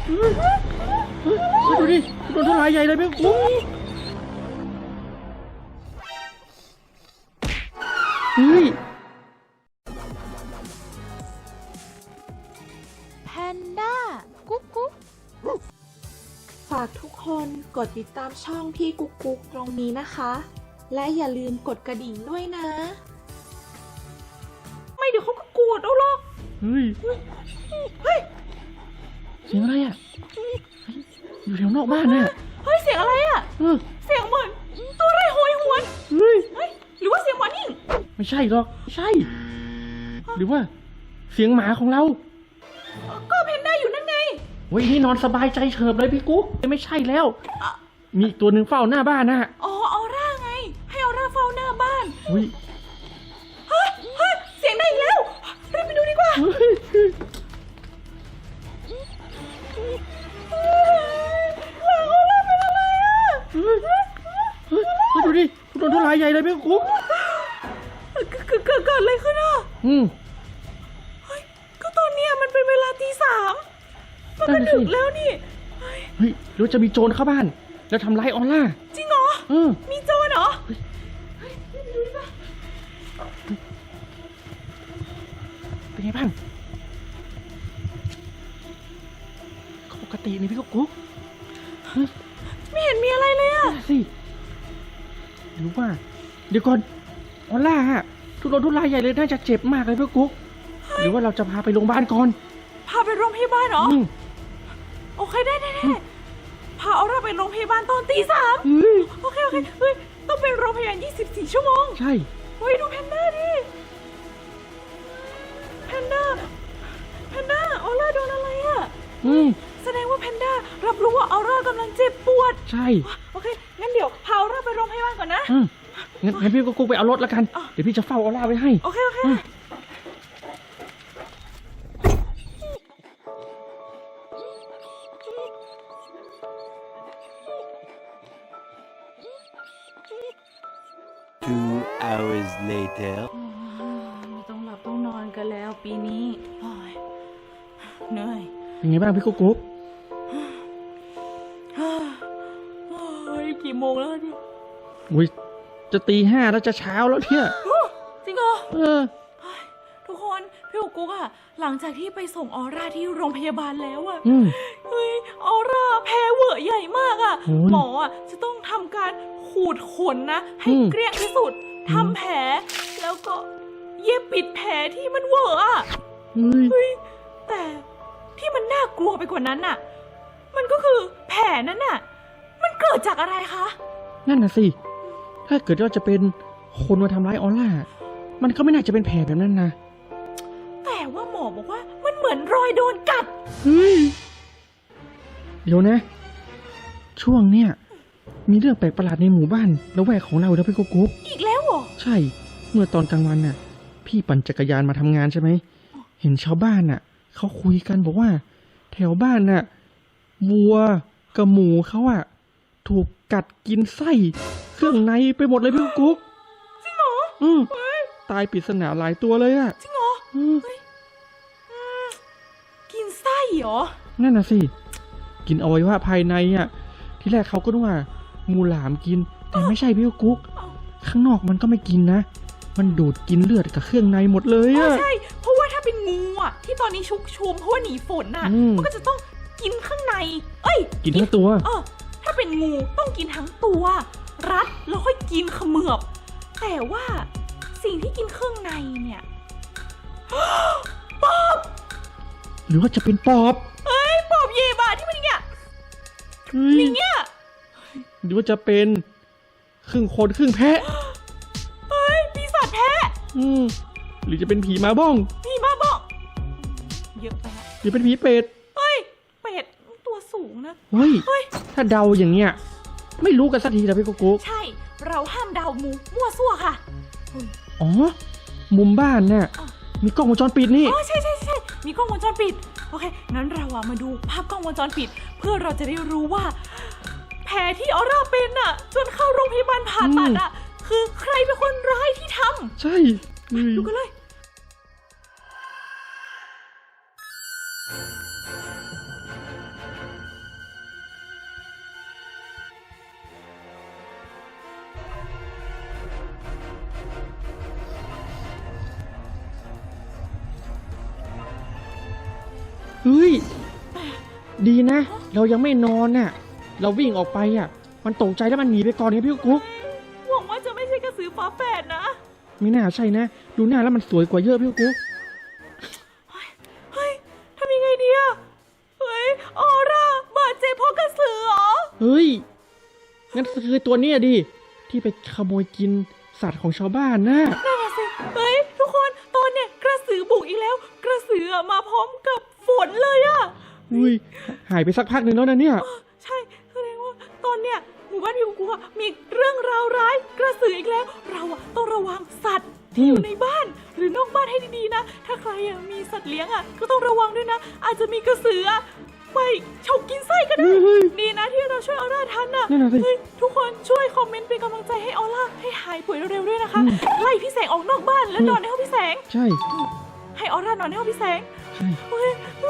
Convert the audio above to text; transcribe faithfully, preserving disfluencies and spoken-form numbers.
ดูดิโดนทลายใหญ่เลยพี่กุ๊กเฮ้ยแพนด้ากุ๊กกุ๊กฝากทุกคนกดติดตามช่องพี่กุ๊กกุ๊กตรงนี้นะคะ และอย่าลืมกดกระดิ่งด้วยนะไม่เดี๋ยวเขาก็กวดเอาหรอกเฮ้ยเฮ้ยเสียงอะไรอ่ะอยู่แถวนอกบ้านเนี่ยเฮ้ยเสียงอะไรอ่ะเสียงเหมือนตัวอะไรโหยหวนเฮ้ยหรือว่าเสียงหมานิ่งไม่ใช่หรอกไม่ใช่หรือว่าเสียงหมาของเราก็เพนด้าอยู่นั่นไงเฮ้ยนี่นอนสบายใจเฉิบเลยพี่กุ๊กไม่ใช่แล้วมีตัวหนึ่งเฝ้าหน้าบ้านนะอ๋อออร่าไงให้ออร่าเฝ้าหน้าบ้านเฮ้ยเฮ้ยเฮ้ยเสียงได้อีกแล้วรีบไปดูดีกว่าดูดิโดนทลายใหญ่เลยพี่กุ๊กเกิดเกิดอะไรขึ้นอ่ะอืมเฮ้ยก็ตอนเนี้ยมันเป็นเวลาตีสามมันก็ดึกแล้วนี่เฮ้ยหรือจะมีโจรเข้าบ้านแล้วทำร้ายออร่าจริงเหรอเออมีโจรเหรอเป็นไงบ้างปกตินี่พี่กุ๊กไม่เห็นมีอะไรเลยอ่ะสิหรือว่าเดี๋ยวก่อนออร่าฮะทุรนทุรายใหญ่เลยน่าจะเจ็บมากเลยพี่กุ๊กหรือว่าเราจะพาไปโรงพยาบาลก่อนพาไปโรงพยาบาลเหรอโอเคได้ได้พาออร่าไปโรงพยาบาลตอนตีสามโอเคโอเคเฮ้ยต้องเป็นโรงพยาบาลยี่สิบสี่ชั่วโมงใช่เฮ้ยดูแพนด้าดิแพนด้าแพนด้าออร่าโดนอะไรอ่ะอืมแสดงว่าแพนด้ารับรู้ว่าออร่ากำลังเจ็บปวดใช่โอเคงั้นเดี๋ยวพาออร่าไปโรงพยาบาลก่อนนะงั้นงั้นพี่กุ๊กไปเอารถแล้วกันเดี๋ยวพี่จะเฝ้าออร่าไว้ให้โอเคโอเค Two hours later ไม่ต้องหลับต้องนอนกันแล้วปีนี้เหนื่อยเป็นไงบ้างพี่กุ๊กกุ๊กเฮ้ยกี่โมงแล้วเนี่ยอุ้ยจะตีห้าแล้วจะเช้าแล้วเนี่ยจริงเหรอเออทุกคนพี่กุ๊กกุ๊กอะหลังจากที่ไปส่งออร่าที่โรงพยาบาลแล้วอะเฮ้ยออร่าแพ้เหวอะใหญ่มากอะหมออะจะต้องทำการขูดขนนะให้เกลี้ยงที่สุดทำแผลแล้วก็เย็บปิดแผลที่มันเหวอะอะเฮ้ยแต่ที่มันน่ากลัวไปกว่านั้นน่ะมันก็คือแผลนั้นน่ะมันเกิดจากอะไรคะนั่นน่ะสิถ้าเกิดว่าจะเป็นคนมาทำร้ายออร่ามันก็ไม่น่าจะเป็นแผลแบบนั้นนะแต่ว่าหมอบอกว่ามันเหมือนรอยโดนกัดเฮ้ยเดี๋ยวนะช่วงเนี้ยมีเรื่องแปลกประหลาดในหมู่บ้านละแวกของเราแล้วพี่กุ๊กกุ๊กอีกแล้วเหรอใช่เมื่อตอนกลางวันน่ะพี่ปั่นจักรยานมาทำงานใช่ไหมเห็นชาวบ้านน่ะเขาคุยกันบอกว่าแถวบ้านน่ะวัวกับหมูเขาอ่ะถูกกัดกินไส้เครื่องในไปหมดเลยพี่กุ๊กจริงเหรออืมตายปริศนาหลายตัวเลยอ่ะจริงเหรออืมกินไส้เหรอนั่นน่ะสิกินอวัยวะภายในอ่ะที่แรกเขาก็นึกว่างูหลามกินแต่ไม่ใช่พี่กุ๊กข้างนอกมันก็ไม่กินนะมันดูดกินเลือดกับเครื่องในหมดเลยอ่ะใช่เพราะว่าถ้าเป็นงูอ่ะที่ตอนนี้ชุกชุมเพราะว่าหนีฝนน่ะมันก็จะต้องกินข้างในเอ้ยกินทั้งตัวเออถ้าเป็นงูต้องกินทั้งตัวรัดแล้วค่อยกินเขมือบแต่ว่าสิ่งที่กินเครื่องในเนี่ยปอบหรือว่าจะเป็นปอบเอ้ยปอบเย่บาที่มันอย่างเงี้ยอย่างเงี้ยหรือว่าจะเป็นครึ่งคนครึ่งแพะเฮ้ยปีศาจแพะอืมหรือจะเป็นผีมาบ้องผีมาบ้องเยอะไปฮะหรือเป็นผีเป็ดเฮ้ยเป็ดตัวสูงนะเฮ้ยถ้าเดาอย่างเงี้ยไม่รู้กันสักทีนะพี่กุ๊กกุ๊กใช่เราห้ามเดามูมั่วซั่วค่ะอ๋อมุมบ้านเนี่ยมีกล้องวงจรปิดนี่อ๋อใช่ใช่ใช่มีกล้องวงจรปิดโอเคงั้นเราอะมาดูภาพกล้องวงจรปิดเพื่อเราจะได้รู้ว่าแผลที่ออร่าเป็นอะจนเข้าโรงพยาบาลผ่าตัดอะคือใครเป็นคนร้ายที่ทำใช่ดูกันเลยเเฮ้ยดีนะ เรายังไม่นอนน่ะ เราวิ่งออกไปอ่ะ มันตกใจแล้วมันหนีไปก่อนไงพี่กุ๊กหวังว่าจะไม่ใช่กระสือฝาแฝดนะไม่น่าใช่นะ ดูหน้าแล้วมันสวยกว่าเยอะพี่กุ๊กเฮ้ยทำยังไงดีอะเฮ้ยออร่าบาดเจ็บเพราะกระสือเหรอเฮ้ยงั้นคือตัวเนี้ยดิที่ไปขโมยกินสัตว์ของชาวบ้านนะนั่นน่ะสิเฮ้ยทุกคนตอนเนี้ยกระสือบุกอีกแล้ว กระสืออะมาพร้อมกับฝนเลยอะอุ้ยหายไปสักพักหนึ่งแล้วนะเนี่ยใช่แสดงว่าตอนเนี้ยหมู่บ้านพี่กูอะมีเรื่องราวร้ายกระสืออีกแล้ว เราอะต้องระวังสัตว์ที่อยู่ในบ้าน หรือนอกบ้านให้ดีๆนะ ถ้าใครอะมีสัตว์เลี้ยงอะก็ต้องระวังด้วยนะ อาจจะมีกระสืออะไปฉกกินไส้ก็ได้เฮ้ยดีนะที่เราช่วยออร่าทันน่ะนั่นน่ะสิเฮ้ยทุกคนช่วยคอมเมนต์เป็นกำลังใจให้ออร่าให้หายป่วยเร็วๆด้วยนะคะ ไล่พี่แสงออกนอกบ้านแล้วนอนในห้องพี่แสงใช่ให้ออร่านอนในห้องพี่แสงใช่เฮ้ยเฮ้